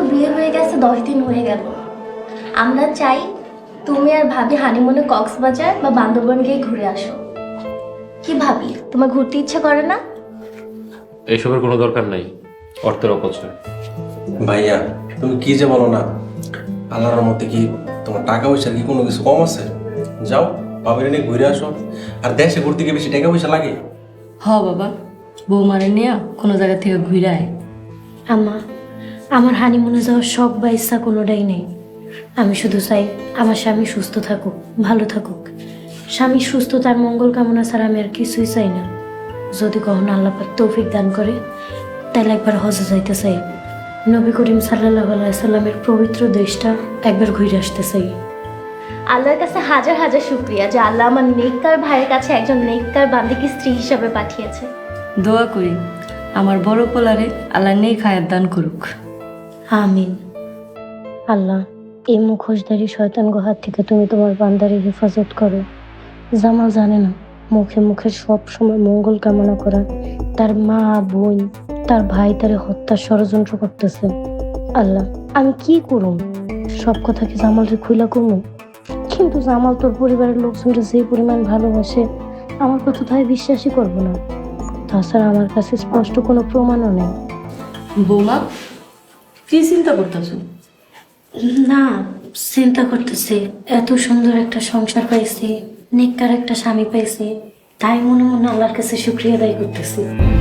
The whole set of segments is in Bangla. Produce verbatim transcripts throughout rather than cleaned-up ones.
বিয়ে হয়ে গেছে দশ দিন হয়ে গেল। আমরা চাই তুমি আর ভাবি হানিমুনে কক্সবাজার বা বান্দরবান গিয়ে ঘুরে আসো। কি ভাবি, তোমার ঘুরতে ইচ্ছা করে না? এইসবের কোনো দরকার নাই, অর্থের অপচয়। ভাইয়া তুমি কি যে বলো না, আল্লাহর মধ্যে কি তোমার টাকা পয়সা কি কোনো কিছু কম আছে? যাও বাবার নিয়ে ঘুরে আসো। আর দেশে ঘুরতে গিয়ে বেশি টাকা পয়সা লাগে? হ বাবা, বৌমারে নিয়ে কোনো জায়গা থেকে ঘুরে আয়। আম্মা, আমার হানিমুনে যাওয়ার শখ বা ইচ্ছা কোনোটাই নেই। আমি শুধু চাই আমার স্বামী সুস্থ থাকুক, ভালো থাকুক। স্বামী সুস্থ, তার মঙ্গল কামনা ছাড়া আমি আর কিছুই চাই না। যদি কখনো আল্লাহ পাক তৌফিক দান করে তাহলে একবার হজে যাইতে চাই। নবী করিম সাল্লাল্লাহু আলাইহি সাল্লামের পবিত্র দেশটা একবার ঘুরে আসতে চাই। আল্লাহর কাছে হাজার হাজার শুক্রিয়া যে আল্লাহ আমার নেককার ভাইয়ের কাছে একজন নেককার বান্দিকে স্ত্রী হিসাবে পাঠিয়েছে। দোয়া করি আমার বড় পোলারে আল্লাহ নেই খায়াত দান করুক। আমিন। আল্লাহ, এই মুখোশধারী শয়তান গুহার থেকে তুমি তোমার বান্দারে হেফাজত করো। জামাল জানে না মুখে মুখে সব সময় মঙ্গল কামনা করা, তার মা বোন তার ভাই তারে হত্যার ষড়যন্ত্র করতেছে। আল্লাহ, আমি কি করুম? সব কথা কি জামালরে খুইলা কমু? কিন্তু জামাল তোর পরিবারের লোকজনরা যে পরিমাণ ভালোবাসে আমার কথা তাই বিশ্বাসই করবো না। তাছাড়া আমার কাছে স্পষ্ট কোনো প্রমাণও নেই। বৌমা, কি চিন্তা করতেছো? না, চিন্তা করতেছি এত সুন্দর একটা সংসার পাইছি, নেককার একটা স্বামী পাইছি, তাই মনে মনে আল্লাহর কাছে শুকরিয়া আদায় করতেছি।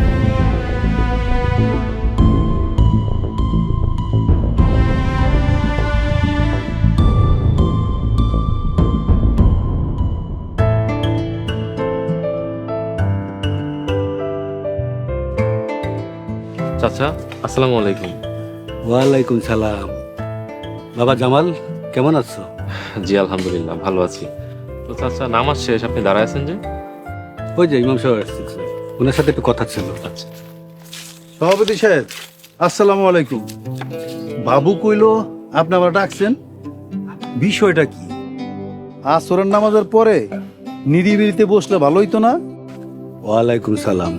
চাচা, আসসালামু আলাইকুম। ওয়ালাইকুম সালাম। বাবা জামাল, কেমন আছো? জি আলহামদুলিল্লাহ, ভালো আছি। তো চাচা, নামাজ শেষ, আপনি দাঁড়ায় আছেন যে? ওই যে ইমাম সাহেব আসছে, ওনার সাথে একটু কথা ছিল। আচ্ছা। সভাপতি সাহেব, আসসালামু আলাইকুম। বাবু কইলো আপনি আবার ডাকছেন, বিষয়টা কি? আসরের নামাজের পরে নিরিবিলিতে বসলে ভালো হইতো না? ওয়ালাইকুম সালাম।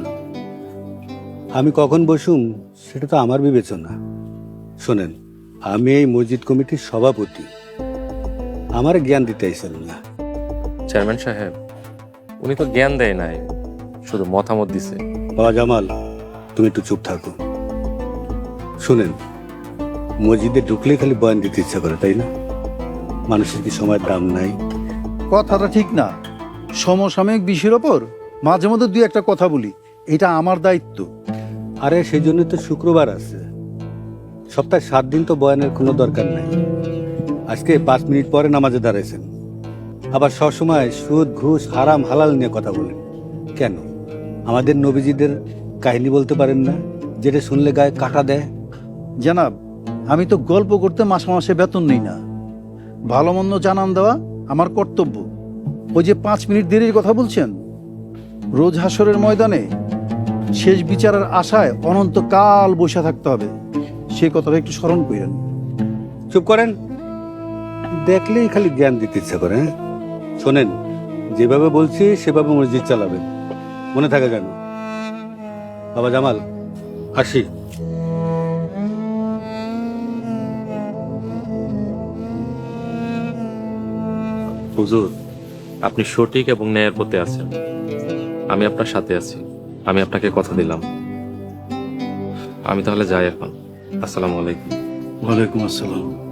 আমি কখন বসুম সেটা তো আমার বিবেচনা। শোনেন, আমি এই মসজিদ কমিটির সভাপতি, আমার জ্ঞান দিতে আইসেন না। চেয়ারম্যান সাহেব, উনি তো জ্ঞান দেয় নাই, শুধু মতামত দিছে। বাবা জামাল, তুমি একটু চুপ থাকো। শোনেন, মসজিদে ঢুকলেই খালি বয়ান দিতে ইচ্ছা করে, তাই না? মানুষের কি সময়ের দাম নাই? কথাটা ঠিক না। সমসাময়িক বিষয়ের ওপর মাঝে মধ্যে দুই একটা কথা বলি, এটা আমার দায়িত্ব। আরে সেই জন্য তো শুক্রবার আছে, সপ্তাহে সাত দিন তো বয়ানের কোনো দরকার নাই। আজকে পাঁচ মিনিট পরে নামাজে দাঁড়াইছেন, আবার সবসময় সুদ ঘুষ হারাম হালাল নিয়ে কথা বলেন কেন? আমাদের নবীজিদের কাহিনী বলতে পারেন না, যেটা শুনলে গায়ে কাটা দেয়? জানাব, আমি তো গল্প করতে মাসে মাসে বেতন নেই না। ভালো মন্দ জানান দেওয়া আমার কর্তব্য। ওই যে পাঁচ মিনিট দেরির কথা বলছেন, রোজ হাসরের ময়দানে শেষ বিচারের আশায় অনন্তকাল বসে থাকতে হবে, সেই কথাটা একটু স্মরণ করেন। চুপ করেন, দেখলেই খালি জ্ঞান দিতে ইচ্ছা করে। হ্যাঁ, শোনেন, যেভাবে বলছি সেভাবে মসজিদ চালাবেন, মনে থাকে যেন। বাবা জামাল, আসি। হুজুর, আপনি সঠিক এবং ন্যায়ের পথে আছেন, আমি আপনার সাথে আছি। আমি আপনাকে কথা দিলাম। আমি তাহলে যাই এখন। আসসালামু আলাইকুম। ওয়ালাইকুম আসসালাম।